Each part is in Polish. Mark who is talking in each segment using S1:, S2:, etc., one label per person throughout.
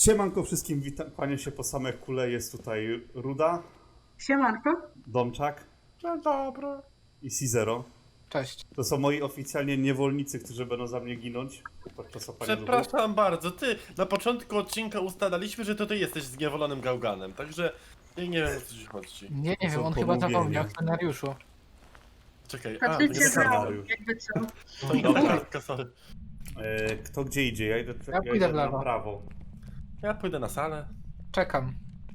S1: Siemanko wszystkim, witam, kłania się po same kule, jest tutaj Ruda,
S2: Siemanko.
S1: Domczak
S3: Dzień dobry.
S1: i Cizero.
S4: Cześć.
S1: To są moi oficjalnie niewolnicy, którzy będą za mnie ginąć podczas opania duchu.
S3: Przepraszam bardzo, ty na początku odcinka ustalaliśmy, że to ty jesteś zniewolonym gałganem, także ja nie wiem o co ci chodzi.
S4: Nie
S1: To
S4: wiem,
S1: są
S4: on chyba
S1: pomówienia.
S4: zapomniał w scenariuszu.
S3: Czekaj, to nie
S2: Patrycja
S3: jest
S2: grała,
S1: scenariusz.
S2: jakby co.
S3: to inna kartka, sorry.
S1: Kto gdzie idzie? Ja idę,
S4: Ja pójdę w
S1: na
S4: lewo.
S1: prawo.
S3: Ja pójdę na salę.
S4: Czekam.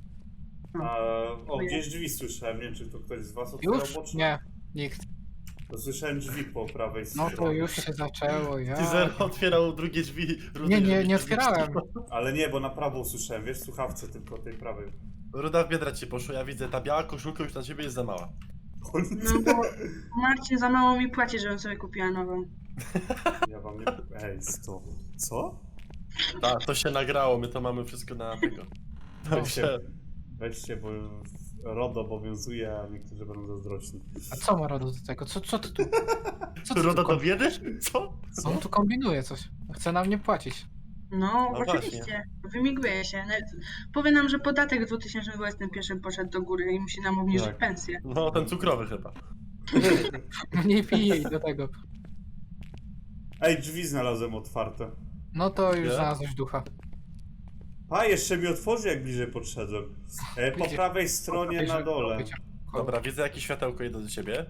S1: Gdzieś drzwi słyszałem, nie wiem czy to ktoś z was otwierał
S4: Już?
S1: boczne?
S4: Nie, nikt.
S1: To słyszałem drzwi po prawej
S4: No
S1: stronie.
S4: to już się zaczęło, ja.
S3: Teaser otwierał drugie drzwi.
S4: Nie, nie otwierałem.
S1: Ale nie, bo na prawo usłyszałem, wiesz, w słuchawce tylko tej prawej.
S3: Ruda w biedra ci poszło, ja widzę, ta biała koszulka już na ciebie jest za mała.
S2: No bo Marcin za mało mi płaci, żebym sobie kupiła nową.
S1: Ja wam nie... Ej, to... Co?
S3: Tak, to się nagrało, my to mamy wszystko na tego. Także,
S1: Weźcie, bo RODO obowiązuje, a niektórzy będą zazdrośni.
S4: A co ma Rodo do tego? Co ty tu? Co ty
S3: Ruda
S4: tu
S3: do biedy? Co?
S4: On tu kombinuje coś. Chce nam nie płacić.
S2: No,
S3: No
S2: oczywiście. Wymiguje się. Powie nam, że podatek w 2021 poszedł do góry i musi nam obniżyć
S1: Tak.
S2: pensję.
S3: No, ten cukrowy chyba.
S4: Mniej pije i do tego.
S1: Ej, drzwi znalazłem otwarte.
S4: No to już
S3: Nie?
S4: znalazłeś ducha.
S1: A, jeszcze mi otworzy, jak bliżej podszedłem. Po
S4: Widzisz?
S1: prawej stronie na dole.
S3: Dobra, widzę jakieś światełko, idę do ciebie.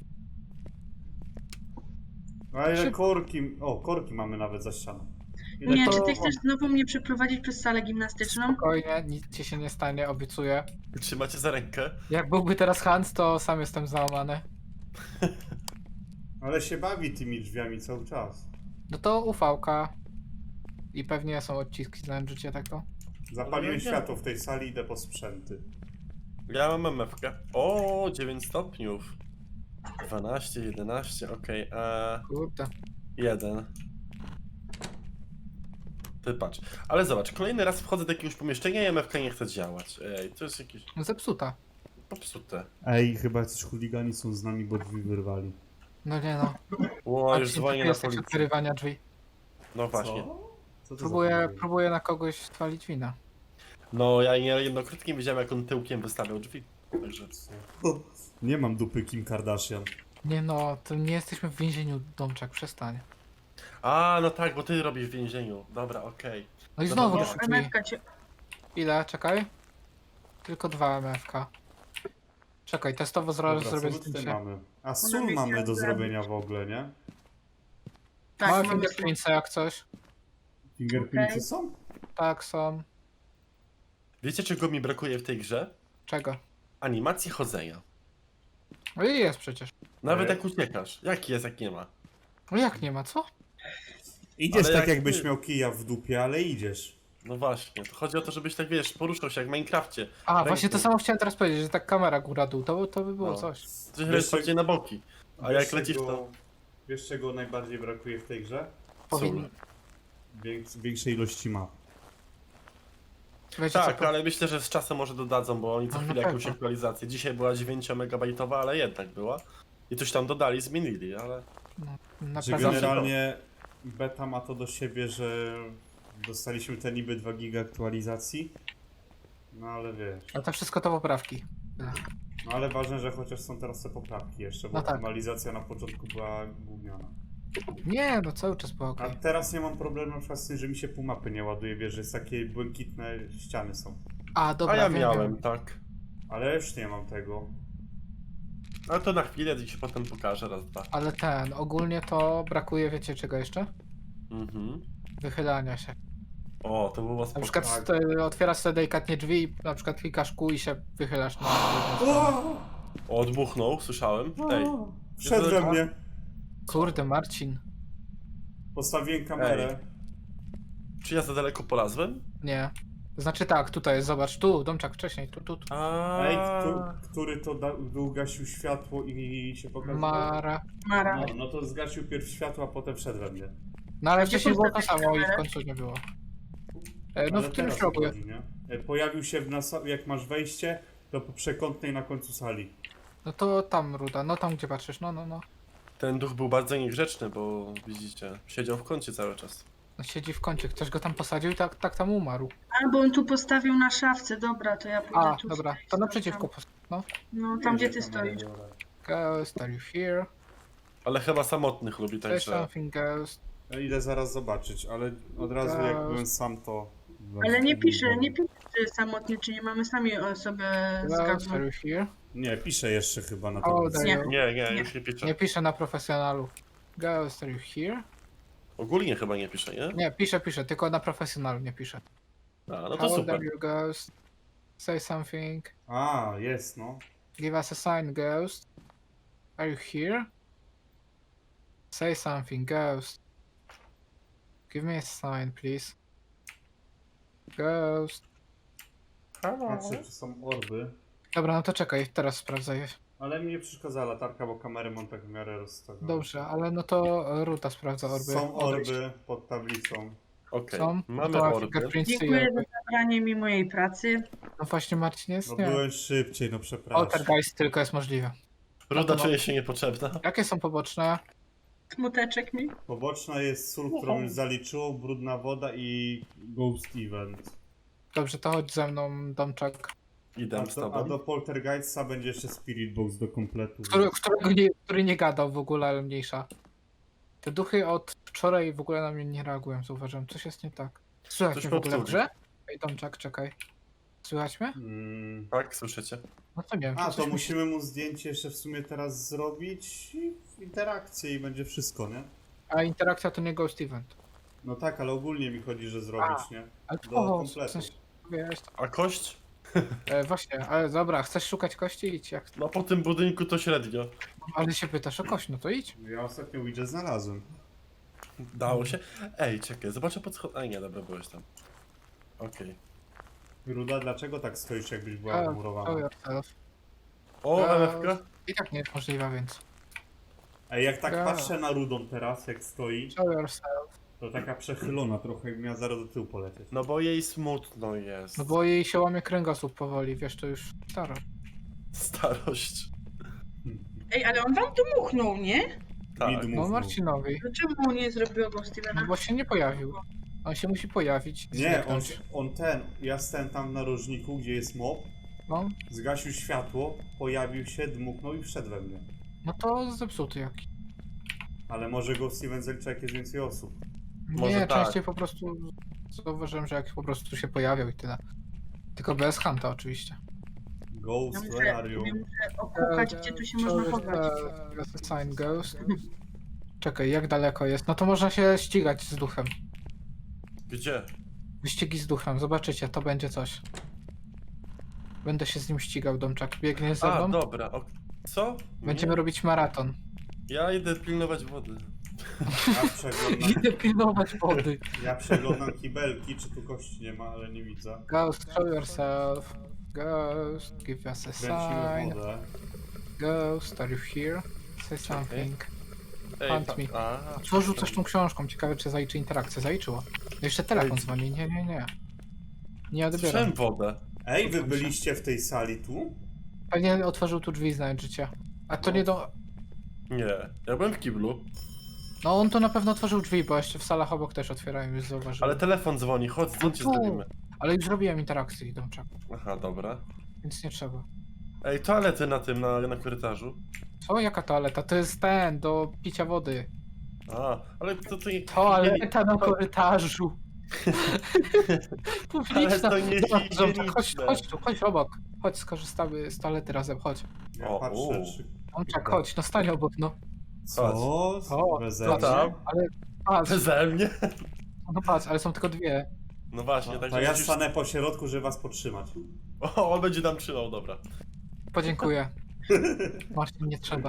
S1: A ile
S4: Szyb-
S1: korki... O, korki mamy nawet za ścianą.
S2: Nie,
S4: to-
S2: czy ty chcesz znowu mnie przeprowadzić przez salę gimnastyczną?
S4: Spokojnie, nic ci się nie stanie, obiecuję.
S3: Trzymacie za rękę.
S4: Jak byłby teraz Hans, to sam jestem załamany.
S1: Ale się bawi tymi drzwiami cały czas.
S4: No to ufałka. I pewnie są odciski, znałem życie tak to.
S1: Zapaliłem
S3: Ale nie.
S1: światło w tej sali, idę po sprzęty.
S3: Ja mam MF-kę. O, 9 stopniów. 12, 11, okej,
S4: Kurde.
S3: 1. Ty patrz. Ale zobacz, kolejny raz wchodzę do jakiegoś pomieszczenia i MF-ka nie chce działać. Ej, to jest jakieś
S4: No zepsuta.
S3: popsute.
S1: Ej, chyba jacyś chuligani są z nami, bo drzwi wyrwali.
S4: No nie no.
S3: O, już
S4: Marcin,
S3: dzwonię
S4: ty
S3: na
S4: jesteś od
S3: policję.
S4: wyrywania drzwi.
S3: No właśnie.
S1: Co to
S4: Próbuję na kogoś twalić wina.
S3: No, ja jednokrotnie widziałem, jak on tyłkiem wystawiał drzwi. Także...
S1: Nie mam dupy Kim Kardashian.
S4: Nie no, to nie jesteśmy w więzieniu, Domczak, przestań.
S3: A, no tak, bo ty robisz w więzieniu. Dobra, okej.
S4: No i
S3: No
S4: znowu
S3: dobra.
S4: drzwi.
S2: MFK cię...
S4: Ile? Czekaj. Tylko 2 MFK. Czekaj, testowo zrobię
S1: Dobra, co my tutaj
S4: zdjęcie.
S1: mamy? A sól mamy do zrobienia w ogóle, nie?
S2: Tak,
S4: Małe
S2: mamy
S4: fingerprintsy jak coś.
S1: Fingerprintsy
S2: Okej.
S1: są?
S4: Tak, są.
S3: Wiecie, czego mi brakuje w tej grze?
S4: Czego?
S3: Animacji chodzenia.
S4: No i jest przecież.
S3: Nawet
S1: Ej.
S3: jak uciekasz. Jaki jest, jak nie ma.
S4: No jak nie ma, co?
S1: Idziesz
S3: Ale
S1: tak
S3: jak
S1: jakbyś
S3: ty-
S1: miał kija w dupie, ale idziesz.
S3: No właśnie, to chodzi o to, żebyś tak, wiesz, poruszał się jak w Minecrafcie.
S4: A,
S3: Ręką.
S4: właśnie to samo chciałem teraz powiedzieć, że tak kamera góra-dół, to by było
S3: No.
S4: coś.
S3: Coś
S1: Wiesz,
S3: bardziej na boki. A
S1: Wiesz,
S3: jak lecisz
S1: czego-
S3: to...
S1: Wiesz czego najbardziej brakuje w tej grze?
S4: Powinni...
S1: Większej ilości map.
S4: Wiecie,
S3: Tak,
S4: co,
S3: ale myślę, że z czasem może dodadzą, bo oni co
S4: No, na
S3: chwilę jakąś
S4: pewno.
S3: aktualizację. Dzisiaj była 9-megabajtowa, ale jednak była. I coś tam dodali, zmienili, ale...
S4: na
S1: Że
S4: pewno.
S1: generalnie beta ma to do siebie, że dostaliśmy te niby 2 giga aktualizacji. No ale wiesz.
S4: Ale to wszystko to poprawki.
S1: No ale ważne, że chociaż są teraz te poprawki jeszcze, bo
S4: No tak.
S1: optymalizacja na początku była gówniana.
S4: Nie, no cały czas było
S1: A
S4: okej.
S1: teraz nie mam problemu na przykład z tym, że mi się pół mapy nie ładuje, wiesz, że jest takie błękitne ściany są.
S4: A, dobra,
S3: A ja
S4: wiem,
S3: miałem,
S4: wiem.
S3: tak.
S1: Ale już nie mam tego.
S3: Ale to na chwilę, ci się potem pokażę, raz, dwa.
S4: Ale ogólnie to brakuje, wiecie czego jeszcze?
S3: Mhm.
S4: Wychylania się.
S3: O, to było
S4: Na
S3: spoko.
S4: przykład
S1: tak.
S4: otwierasz sobie delikatnie drzwi i na przykład klikasz kół i się wychylasz na...
S3: O, dmuchnął, słyszałem. Ej,
S1: Wszedł we mnie.
S4: Kurde, Marcin.
S1: Postawiłem kamerę.
S3: czy ja za daleko polazłem?
S4: Nie. Znaczy tak, tutaj jest, zobacz, tu, Domczak, wcześniej, tu.
S1: Ej, który to dół gasił światło i się pokazał?
S4: Mara.
S2: Mara.
S1: No to zgasił pierw światło, a potem wszedł we mnie.
S4: No ale
S2: Gdzie
S4: wcześniej było to
S2: postawiłeś
S4: samo i w
S2: kamerę?
S4: końcu nie było. No
S1: Ale
S4: w którymś
S1: teraz
S4: rogu.
S1: chodzi, nie? Pojawił się jak masz wejście, to po przekątnej na końcu sali.
S4: No to tam, Ruda, no tam gdzie patrzysz, no.
S3: Ten duch był bardzo niegrzeczny, bo widzicie, siedział w kącie cały czas.
S4: No siedzi w kącie, ktoś go tam posadził i tak tam umarł.
S2: Albo on tu postawił na szafce, dobra, to ja pójdę
S4: A,
S2: tu.
S4: dobra,
S2: stoi,
S4: to
S2: tam.
S4: naprzeciwko. No.
S2: No, tam gdzie
S1: Jedzie
S2: ty
S1: kamerę,
S2: stoisz.
S1: dobra.
S4: Ghost, are you here?
S3: Ale chyba samotnych lubi,
S4: Say
S3: także...
S4: something, ghost.
S1: Ja idę zaraz zobaczyć, ale od razu jak byłem sam to...
S2: Ale nie pisze, czy jest samotny, czy nie mamy sami o sobie
S4: Ghost, are
S2: zgadnąć.
S4: you here?
S1: Nie, piszę jeszcze chyba na
S4: O,
S1: to.
S4: there you go.
S3: Nie, już nie pisze.
S4: Nie pisze na profesjonalu. Ghost, are you here?
S3: Ogólnie chyba nie pisze, nie?
S4: Nie, pisze, tylko na profesjonalu nie pisze.
S3: A, no to
S4: How old
S3: super.
S4: are you, ghost? Say something.
S1: A, jest no.
S4: Give us a sign, ghost. Are you here? Say something, ghost. Give me a sign, please. Ghost.
S1: Patrzę, czy są orby.
S4: Dobra, no to czekaj, teraz sprawdzę je.
S1: Ale mi nie przeszkadza latarka, bo kamerę mam tak w miarę rozstawioną.
S4: Dobrze, ale no to Ruta sprawdza orby.
S1: Są
S4: Odejdź.
S1: orby pod tablicą.
S3: Okej,
S4: Są?
S3: mamy
S4: To
S3: orby.
S4: fingerprints i
S2: Dziękuję za
S4: orby.
S2: zabranie mi mojej pracy.
S4: No właśnie Marcin jest,
S1: No
S4: nie.
S1: byłem szybciej, no przepraszam.
S4: Poltergeist tylko jest możliwe.
S3: Ruda
S4: no.
S3: czuje się niepotrzebna.
S4: Jakie są poboczne?
S2: Smuteczek mi.
S1: Poboczna jest sól, którą już zaliczyło, brudna woda i Ghost Event.
S4: Dobrze, to chodź ze mną, Domczak.
S3: Idę z
S1: A
S3: tobą.
S1: do Poltergeista będzie jeszcze Spirit Box do kompletu.
S4: Który nie gadał w ogóle, ale mniejsza. Te duchy od wczoraj w ogóle na mnie nie reagują, zauważyłem. Coś jest nie tak. Słychać
S3: Coś
S4: mnie w ogóle w
S3: popsuli.
S4: grze? Ej, Domczak, czekaj. Słychać mnie?
S3: Tak, słyszycie?
S4: No to nie wiem.
S1: A,
S4: czy
S1: to
S4: coś
S1: musimy mu zdjęcie jeszcze w sumie teraz zrobić i w interakcję i będzie wszystko, nie?
S4: A interakcja to nie Ghost Event.
S1: No tak, ale ogólnie mi chodzi, że zrobić, nie?
S4: Ale
S1: Do
S4: to
S1: kompletu.
S4: w sensie, wiesz,
S3: A kość?
S4: właśnie, ale dobra, chcesz szukać kości? Idź. Jak...
S3: No po tym budynku to średnio.
S4: Ale się pytasz o kość, no to idź.
S1: Ja ostatnio Ouija znalazłem.
S3: Dało się. Ej, czekaj, zobaczę pod schod... Ej, nie, dobra, byłeś tam. Okej.
S1: Ruda, dlaczego tak stoisz, jakbyś była
S4: Show
S1: wmurowana?
S4: yourself.
S3: O,
S4: Eee.
S3: MFK?
S4: I tak nie jest możliwa, więc.
S1: Ej, jak tak
S4: Ja.
S1: patrzę na Rudą teraz, jak stoi,
S4: Show yourself.
S1: to taka przechylona trochę, jakby miała zaraz do tyłu polecieć.
S3: No bo jej smutno jest.
S4: No bo jej się łamie kręgosłup powoli, wiesz, to już staro.
S3: Starość.
S2: Ej, ale on wam tu muchnął, nie?
S3: Tak.
S1: Mid
S4: No
S1: move.
S4: Marcinowi.
S2: Dlaczego nie zrobiło go
S4: No
S2: Stevena?
S4: bo się nie pojawił. On się musi pojawić.
S1: Nie,
S4: zniknąć.
S1: ja stałem tam w narożniku, gdzie jest mob,
S4: No,
S1: zgasił światło, pojawił się, dmuchnął i wszedł we mnie.
S4: no to zepsuty jakiś.
S1: Ale może Ghost Event zalicza, jak jest więcej osób.
S3: Może
S4: Nie,
S3: tak.
S4: częściej po prostu zauważyłem, że jak po prostu się pojawiał i tyle. Tylko bez Hunta oczywiście.
S1: Ghost,
S2: Ja
S1: where are you?
S2: muszę okukać, gdzie tu się można chować.
S4: Sign Ghost. Czekaj, jak daleko jest? No to można się ścigać z duchem.
S3: Gdzie?
S4: Wyścigi z duchem, zobaczycie, to będzie coś. Będę się z nim ścigał, Domczak. Biegnie ze
S3: A,
S4: mną.
S3: dobra. Co?
S4: Będziemy
S3: Nie.
S4: robić maraton.
S3: Ja idę pilnować wody.
S1: Ja przeglądam,
S4: Idę pilnować wody.
S1: ja przeglądam kibelki, czy tu kości nie ma, ale nie widzę.
S4: Ghost, show yourself. Ghost, give us a
S1: Kręcimy
S4: sign.
S1: wodę.
S4: Ghost, are you here? Say something.
S3: Ej,
S4: Hunt me.
S3: A,
S4: Co rzucasz tą książką? Ciekawe, czy zaliczy interakcję. Zaliczyło. No jeszcze telefon dzwoni. Nie. Nie odbieram.
S3: Słyszałem wodę.
S1: Ej, wy byliście w tej sali tu?
S4: Pewnie otworzył tu drzwi, znając życie. A to
S1: No.
S4: nie do...
S3: Nie, ja byłem w kiblu.
S4: No on to na pewno otworzył drzwi, bo jeszcze w salach obok też otwierają, już zauważyłem.
S3: Ale telefon dzwoni, chodź, zdjęcie
S4: tu.
S3: zrobimy.
S4: Ale już zrobiłem interakcję, Domczak,
S3: Aha, dobra.
S4: więc nie trzeba.
S3: Ej, toalety na tym, na korytarzu.
S4: Co? Jaka toaleta? To jest ten, do picia wody.
S3: A, ale to nie...
S4: Toaleta na korytarzu.
S3: Ale to nie
S4: Domczak, chodź,
S3: higieniczne.
S4: chodź tu, chodź obok. Chodź, skorzystamy z toalety razem, chodź.
S1: Ja
S3: O,
S1: patrzę, czy...
S4: Domczak, chodź, no stań obok, no.
S1: Co?
S4: O,
S1: Beze
S4: co
S1: mnie?
S3: tam?
S4: Ale patrz,
S3: Beze mnie?
S4: no patrz, ale są tylko dwie.
S3: No właśnie,
S1: To
S3: także
S1: ja
S3: musisz...
S1: stanę po środku, żeby was podtrzymać.
S3: O, on będzie nam trzymał, dobra.
S4: Podziękuję. Marcin, nie trzeba.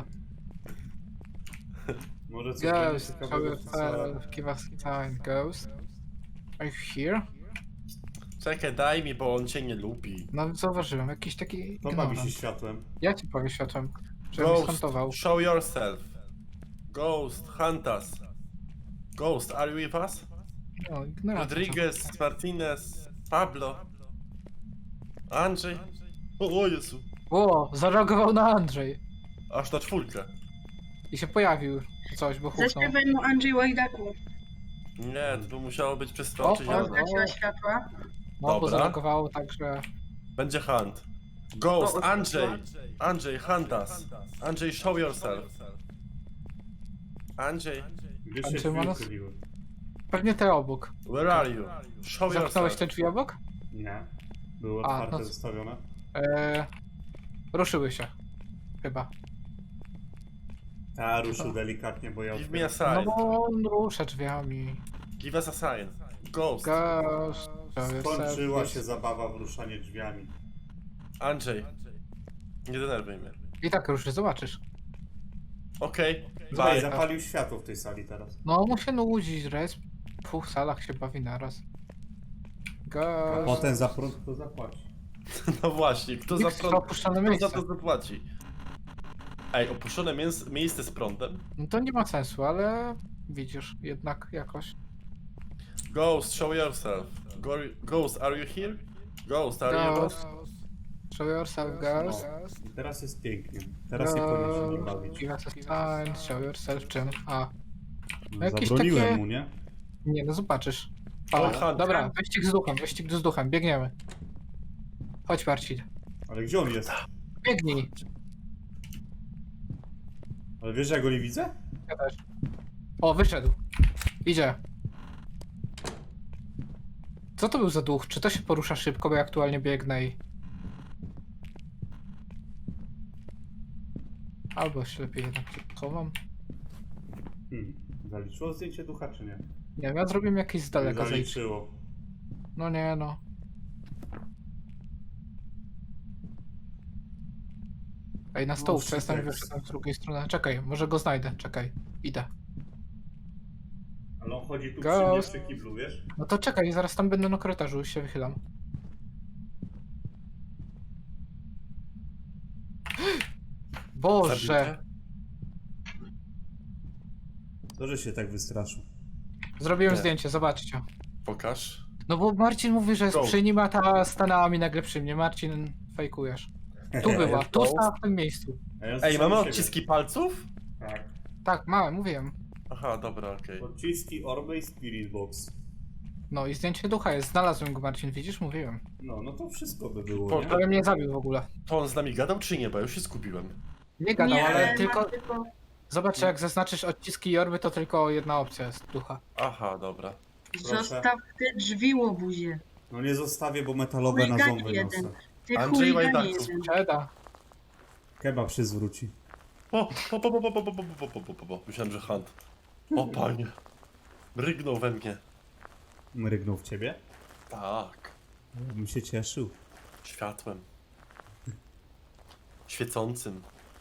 S1: Może coś
S4: Ghost,
S1: będzie
S4: show
S1: ciekawego w sali.
S4: yourself, give us sign, Ghost. Are you here?
S3: Czekaj, daj mi, bo on cię nie lubi.
S4: No zauważyłem, jakiś taki
S1: To bawi się
S4: ignorant.
S1: światłem.
S4: Ja ci powiem światłem, że mnie
S3: Ghost,
S4: skantował.
S3: show yourself. Ghost, hunt us. Ghost, are you with us?
S4: No, ignorant.
S3: Rodriguez, Martinez, Pablo. Andrzej. O Jezu.
S4: O, zareagował na Andrzej.
S3: Aż na czwórkę.
S4: I się pojawił coś, bo huknął.
S2: Zaśpiewaj mu Andrzej Łajdaku.
S3: Nie, to by musiało być
S4: O,
S3: przestrączyć.
S4: o,
S2: Zgasiła światła.
S4: No, bo
S3: Dobra.
S4: zalogowało tak, że...
S3: Będzie hunt. Ghost,
S2: O,
S3: Andrzej! Andrzej, hunt us. Andrzej, show yourself. Andrzej,
S1: Gdzie
S4: Pan
S1: się drzwi
S4: Szymonos?
S1: uchyliły?
S4: Pewnie te obok.
S3: where are you? Show
S4: Zamknąłeś
S3: yourself.
S4: te drzwi obok?
S1: Nie. Były
S4: A,
S1: otwarte,
S4: no.
S1: zostawione.
S4: Ruszyły się. Chyba.
S1: Ta ruszył delikatnie, bo ja
S3: Give me a
S1: otwieram.
S4: No
S3: sign.
S4: bo on rusza drzwiami.
S3: Give us a sign. Ghost.
S4: Ghost. show yourself,
S1: Skończyła
S4: yes.
S1: się zabawa w ruszanie drzwiami.
S3: Andrzej. Nie denerwuj mnie.
S4: I tak ruszy, zobaczysz.
S3: Okej.
S1: Tutaj
S3: Bye.
S1: zapalił światło w tej sali teraz.
S4: No mu się nudzić, że jest w 2 salach się bawi naraz.
S1: A
S4: Ghost.
S1: potem za prąd kto zapłaci?
S3: No właśnie, kto za
S4: Nikt
S3: prąd...
S4: opuszczone
S3: Kto za
S4: miejsce.
S3: to zapłaci? Ej, opuszczone miejsce z prądem?
S4: No to nie ma sensu, ale widzisz, jednak jakoś.
S3: Ghost, show yourself. Ghost, are you here? Ghost, are you
S4: Ghost. Show yourself, Ghost.
S1: I teraz jest pięknie. Teraz nie powinien się nie bawić.
S4: Give us a sign, show yourself czym? A.
S1: No,
S4: jakieś
S1: zabroniłem
S4: takie-
S1: mu, nie?
S4: Nie, no zobaczysz.
S3: O,
S4: O,
S3: Hunt.
S4: dobra, wyścig z duchem, biegniemy. Chodź Marcin,
S1: Ale gdzie on jest?
S4: biegnij.
S1: Ale wiesz, że ja go nie widzę?
S4: Ja też. O, wyszedł. Idzie. Co to był za duch? Czy to się porusza szybko, bo ja aktualnie biegnę i... Albo się lepiej jednak chowam.
S1: Zaliczyło zdjęcie ducha, czy nie?
S4: Nie wiem, ja zrobiłem jakieś z daleka zejście.
S1: Zaliczyło.
S4: No nie no. Ej, na stołówce jestem
S1: Szytek.
S4: wyszedłem z drugiej strony. Czekaj, może go znajdę, czekaj. Idę.
S1: Ale on chodzi tu przy
S4: Ghost.
S1: mnie przy kiblu, wiesz?
S4: No to czekaj, zaraz tam będę na korytarzu, już się wychylam. Boże!
S3: Zabijcie?
S1: To, że się tak wystraszył.
S4: Zrobiłem
S3: Nie.
S4: zdjęcie, zobaczcie.
S3: Pokaż.
S4: No bo Marcin mówi, że jest
S3: Go.
S4: przy nim, a ta stanęła mi nagle przy mnie. Marcin, fejkujesz. Tu była, tu stała w tym miejscu.
S1: A ja
S3: Ej,
S1: słyszałem
S3: mamy
S1: siebie.
S3: odciski palców?
S1: Tak.
S4: Tak, małe, mówiłem.
S3: Aha, dobra, okej.
S1: Odciski Orby i Spirit Box.
S4: No i zdjęcie ducha jest, znalazłem go Marcin, widzisz? Mówiłem.
S1: No to wszystko by było,
S3: Po-
S1: nie?
S4: Ale mnie zabił w ogóle.
S3: To on z nami gadał czy nie? Bo ja już się skupiłem.
S4: Nie gadał,
S2: nie,
S4: ale
S2: mam
S4: tylko...
S2: tylko...
S4: Zobacz, jak zaznaczysz odciski i orby, to tylko jedna opcja jest ducha.
S3: Aha, dobra.
S2: Zostaw te drzwi, łobuzie.
S1: No nie zostawię, bo metalowe na
S2: Chuligan
S1: ząby
S2: jeden.
S1: niosę.
S2: Ty
S3: Andrzej
S2: chuligan
S3: Łajdaku.
S2: jeden.
S4: Czeda.
S1: Kebab się zwróci.
S3: Myślałem, że hunt. O panie. Rygnął we mnie.
S1: Mrygnął w ciebie?
S3: Tak.
S1: Bym się cieszył.
S3: Światłem. Świecącym.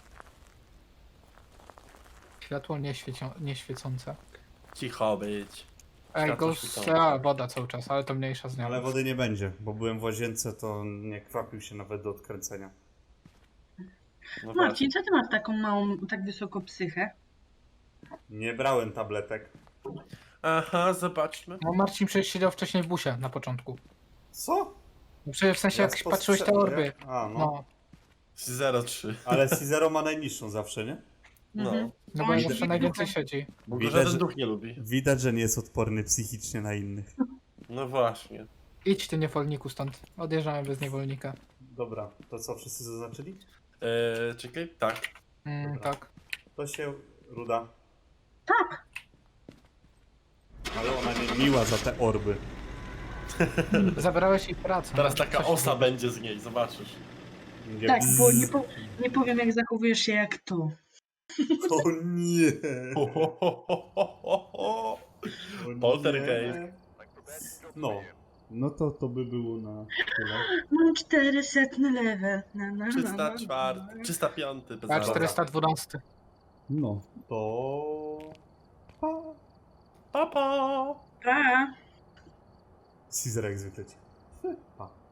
S4: Światło nieświecące.
S3: Cicho być.
S4: Ej,
S3: Światło
S4: ghost...
S3: świecące.
S4: A, woda cały czas, ale to mniejsza z nią.
S1: Ale wody nie będzie, bo byłem w łazience, to nie kwapił się nawet do odkręcenia.
S3: No właśnie.
S2: Marcin, co ty masz taką małą, tak wysoko psychę?
S1: Nie brałem tabletek.
S3: Aha, zobaczmy.
S4: No Marcin przecież siedział wcześniej w busie na początku.
S1: Co?
S4: No przecież w sensie jak
S1: Ja
S4: patrzyłeś te orby.
S1: A, no.
S4: No,
S3: 03.
S1: Ale Cizero ma najniższą zawsze, nie?
S3: No.
S4: no
S2: On
S4: bo
S2: siedzi
S4: zawsze
S2: w
S4: najwięcej
S2: duchu.
S4: siedzi.
S3: Bo go
S1: Widać,
S3: żaden
S1: że-
S3: duch nie lubi.
S1: Widać, że nie jest odporny psychicznie na innych.
S3: No właśnie.
S4: Idź ty niewolniku stąd. Odjeżdżamy bez niewolnika.
S1: Dobra, to co, wszyscy zaznaczyli?
S3: Czekaj, tak.
S1: Dobra.
S4: Tak.
S1: To się Ruda.
S2: Tak.
S1: Ale ona nie miła za te orby.
S4: Zabrałeś jej pracę.
S3: Teraz
S4: no,
S3: taka
S4: coś
S3: osa
S4: było.
S3: będzie z niej, zobaczysz.
S1: Nie
S2: Tak, bo
S1: bzz.
S2: nie powiem jak zachowujesz się jak to.
S1: O nie!
S3: Ho, ho, ho, ho, ho, ho.
S1: O nie.
S3: Poltergeist.
S1: No. No to by było na tyle.
S2: Mam 400 level.
S3: 304, 305. Bez
S4: A
S3: zabawy.
S4: 412.
S1: No. To... Pa.
S3: Pa, pa.
S2: Pa.
S1: Caesar jak zwykle ci. Pa.